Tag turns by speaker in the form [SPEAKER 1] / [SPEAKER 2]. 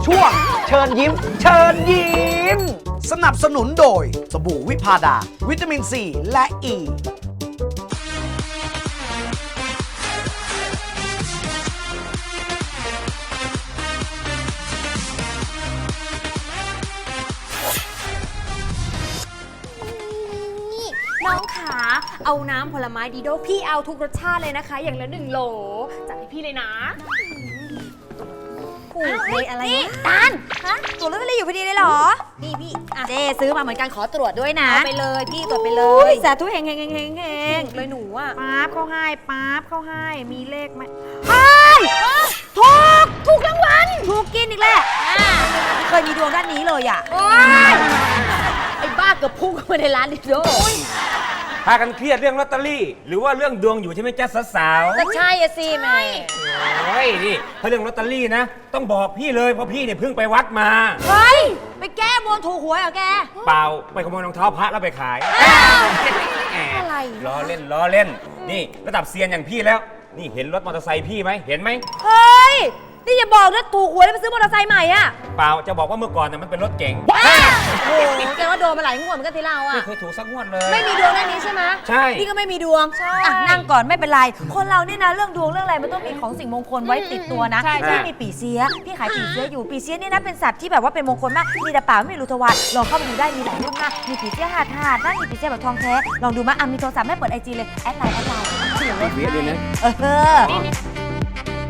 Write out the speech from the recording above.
[SPEAKER 1] ช่วงเชิญยิ้ม เชิญยิ้ม สนับสนุนโดยสบู่วิพาดา วิตามินซีและอ e. ี
[SPEAKER 2] น้องขาเอาน้ำผลไม้ดีโดพี่เอาทุกรสชาติเลยนะคะ อย่างละ1 โหลจัดให้พี่เลยนะ
[SPEAKER 3] ถูกเลยอะไร
[SPEAKER 2] นี่
[SPEAKER 3] นะ
[SPEAKER 2] ตาล
[SPEAKER 3] ฮะตรวจลอตเตอรี่อยู่พอดีเลยเหรอ
[SPEAKER 2] นี่พี่อ่ะ
[SPEAKER 3] เจซื้อมาเหมือนกันขอตรวจด้วยนะ
[SPEAKER 2] เอาไปเลยพี่ตรวจไปเล
[SPEAKER 3] โอ้
[SPEAKER 2] ย
[SPEAKER 3] ยสาธุเฮงเฮงเฮงเฮงเฮง
[SPEAKER 2] เลยหนูอ่ะ
[SPEAKER 3] ป๊าบเข้าให้ป๊าบเข้าให้มีเลขไหมเฮ้ยถูกรางวัลถูกกินอีกแล้วไม่เคยมีดวงด้านนี้เลยอ่ะ
[SPEAKER 2] โอ๊ยไอ้บ้าเกือบพุ่งเข้ามาในร้านดิโด
[SPEAKER 4] พากันเครียดเรื่องลอตเตอรี่ หรือว่าเรื่องดวงอยู่ใช่ไหมจ๊ะสาว
[SPEAKER 2] ก็ใช่อะสิแม่
[SPEAKER 4] ๆโอ้ยนี่ถ้าเรื่องลอตเตอรี่นะ ต้องบอกพี่เลยเพราะพี่เนี่ยเพิ่งไปวัดมา
[SPEAKER 3] เฮ้ยไปแก้บนถูกหวยเหรอแก
[SPEAKER 4] เปล่าไปขโมยรองเท้าพระแล้วไปขาย
[SPEAKER 3] อะไร
[SPEAKER 4] ล้อเล่นล้อเล่น นี่ระดับเซียนอย่างพี่แล้ว นี่เห็นรถมอเตอร์ไซค์พี่ไหมเห็นไหม
[SPEAKER 3] เฮ้ยนี่อย่าบอกนะถูกหวยแล้วไปซื้อมอเตอร์ไซค์ใหม่อ่ะ
[SPEAKER 4] เปล่าจะบอกว่าเมื่อก่อนน่ะมันเป็นรถเก๋ง
[SPEAKER 3] โอ้โหแกว่าโดนมาหลายงวดเหมือนกันทีเราอ่ะ
[SPEAKER 4] ไม่เคยถูกสักงวดเลย
[SPEAKER 3] ไม่มีดวงด้านนี้ใช่ไหม
[SPEAKER 4] ใช่
[SPEAKER 3] นี่ก็ไม่มีดวงอ่ะนั่งก่อนไม่เป็นไร คนเราเนี่ยนะเรื่องดวงเรื่องอะไรมันต้องมีของสิ่งมงคลไว้ติดตัวนะ
[SPEAKER 2] ใช่
[SPEAKER 3] พี่มีปีเสียพี่ขายปีเสียอยู่ปีเสียนี่นะเป็นสัตว์ที่แบบว่าเป็นมงคลมากมีแต่ป่าไม่มีรูทวารลองเข้าไปดูได้มีหลายรุ่นมากมีปีเสียหาดนะมีปีเสียแบบทองแท้ลองดูมาอ่ะมีโทรศัพท์แม่เปิดไอจีเลยแอดไลน์เสียงเลย
[SPEAKER 4] เวียด้วยนะ
[SPEAKER 3] เออ